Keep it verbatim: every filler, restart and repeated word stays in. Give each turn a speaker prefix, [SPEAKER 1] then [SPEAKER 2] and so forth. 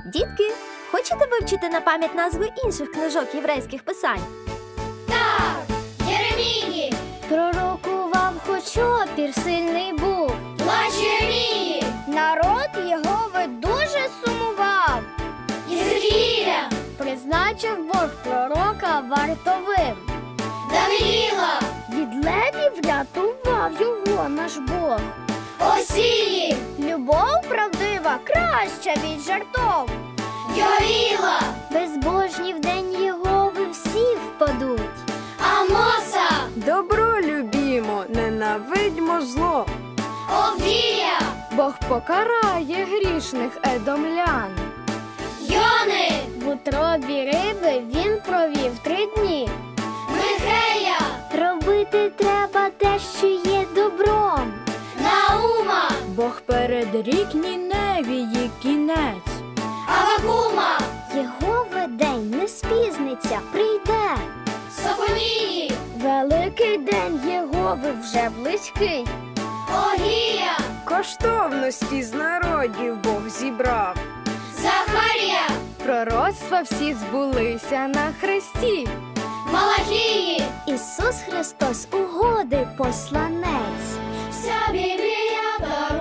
[SPEAKER 1] Дітки, хочете вивчити на пам'ять назви інших книжок єврейських писань?
[SPEAKER 2] Так, Єремії,
[SPEAKER 3] Пророкував, хоч опір сильний був.
[SPEAKER 2] плач Єремії,
[SPEAKER 3] Народ Єгови дуже сумував.
[SPEAKER 2] Єзекіїля,
[SPEAKER 3] Призначив Бог пророка вартовим.
[SPEAKER 2] Даниїла,
[SPEAKER 3] Від левів врятував його наш Бог.
[SPEAKER 2] Осії,
[SPEAKER 3] Любов правдива краща від жартов.
[SPEAKER 2] Йоїла,
[SPEAKER 3] Безбожні в день Єгови всі впадуть.
[SPEAKER 2] Амоса,
[SPEAKER 4] Добро любімо, ненавидьмо зло.
[SPEAKER 2] Овдія,
[SPEAKER 4] Бог покарає грішних едомлян.
[SPEAKER 2] Йони,
[SPEAKER 3] В утробі риби він провів три дні.
[SPEAKER 2] Михея,
[SPEAKER 3] Робити треба те, що є добром.
[SPEAKER 2] Наума,
[SPEAKER 4] Бог передрік Ніневії кінець.
[SPEAKER 2] Авакума,
[SPEAKER 3] Єгови день не спізниться, прийде.
[SPEAKER 2] Софонії,
[SPEAKER 3] Великий день Єгови вже близький.
[SPEAKER 2] Огія,
[SPEAKER 4] Коштовності з народів Бог зібрав.
[SPEAKER 2] Захарія,
[SPEAKER 4] Пророцтва всі збулися на хресті.
[SPEAKER 2] Малахії,
[SPEAKER 3] Ісус Христос угоди посланець.
[SPEAKER 2] вся Біблія